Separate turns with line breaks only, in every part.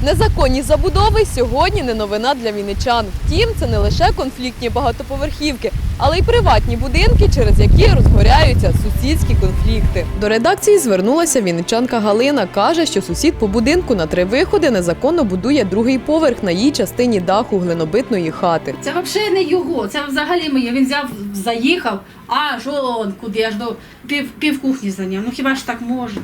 Незаконні забудови сьогодні не новина для вінничан. Втім, це не лише конфліктні багатоповерхівки, але й приватні будинки, через які розгоряються сусідські конфлікти. До редакції звернулася вінничанка Галина. Каже, що сусід по будинку на 3 виходи незаконно будує другий поверх на її частині даху глинобитної хати.
Це взагалі не його, це взагалі моє. Він взяв, заїхав, аж он куди, аж до пів кухні зайняв. Ну хіба ж так можна?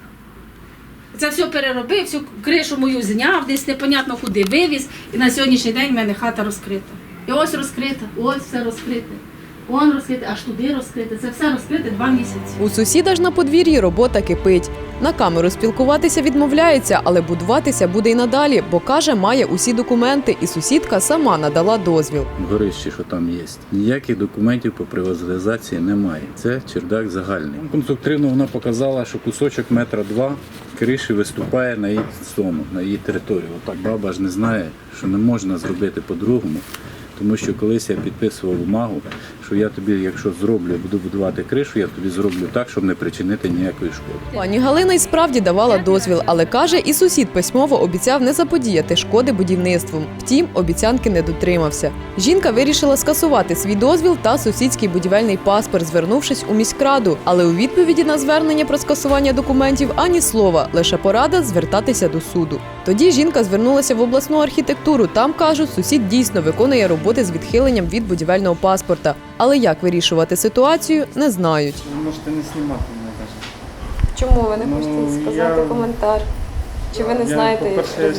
Це все переробив, всю кришу мою зняв, десь непонятно куди вивіз. І на сьогоднішній день в мене хата розкрита. І ось розкрита, ось все розкрите. Вон розкрите, аж туди розкрите. Це все розкрите 2 місяці.
У сусіда ж на подвір'ї робота кипить. На камеру спілкуватися відмовляється, але будуватися буде й надалі, бо, каже, має усі документи, і сусідка сама надала дозвіл.
В горищі, що там є. Ніяких документів по приватизації немає. Це чердак загальний. Конструктивно вона показала, що кусочок 1,2 метра криші виступає на її сторону, на її територію. Отак баба ж не знає, що не можна зробити по-другому. Тому що колись я підписував бумагу, що я тобі, якщо зроблю, буду будувати кришу, я тобі зроблю так, щоб не причинити ніякої шкоди.
Пані Галина й справді давала дозвіл, але, каже, і сусід письмово обіцяв не заподіяти шкоди будівництвом. Втім, обіцянки не дотримався. Жінка вирішила скасувати свій дозвіл та сусідський будівельний паспорт, звернувшись у міськраду. Але у відповіді на звернення про скасування документів ані слова, лише порада звертатися до суду. Тоді жінка звернулася в обласну архітектуру. Там, кажуть, сусід дійсно виконує роботи з відхиленням від будівельного паспорта. Але як вирішувати ситуацію, не знають.
Ви можете не знімати мене навіть.
Чому ви не
хочете сказати
коментар? Чи ви
По-перше,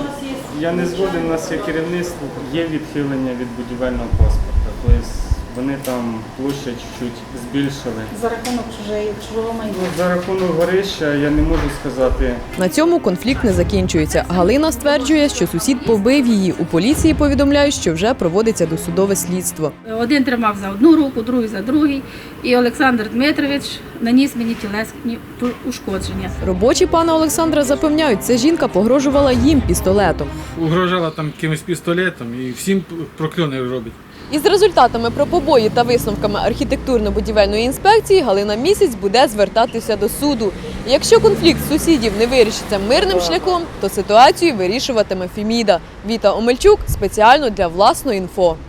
я не згоден, у нас є керівництво, є відхилення від будівельного паспорта. Тобто вони там площадь чуть збільшили.
За рахунок чужого майна.
За рахунок горища я не можу сказати.
На цьому конфлікт не закінчується. Галина стверджує, що сусід побив її. У поліції повідомляють, що вже проводиться досудове слідство.
Один тримав за одну руку, другий за другий. І Олександр Дмитрович наніс мені тілесні ушкодження.
Робочі пана Олександра запевняють, ця жінка погрожувала їм пістолетом.
Угрожала там якимось пістолетом і всім прокльони робить.
Із результатами про побої та висновками архітектурно-будівельної інспекції Галина місяць буде звертатися до суду. І якщо конфлікт сусідів не вирішиться мирним шляхом, то ситуацію вирішуватиме Феміда. Віта Омельчук спеціально для Власної інфо.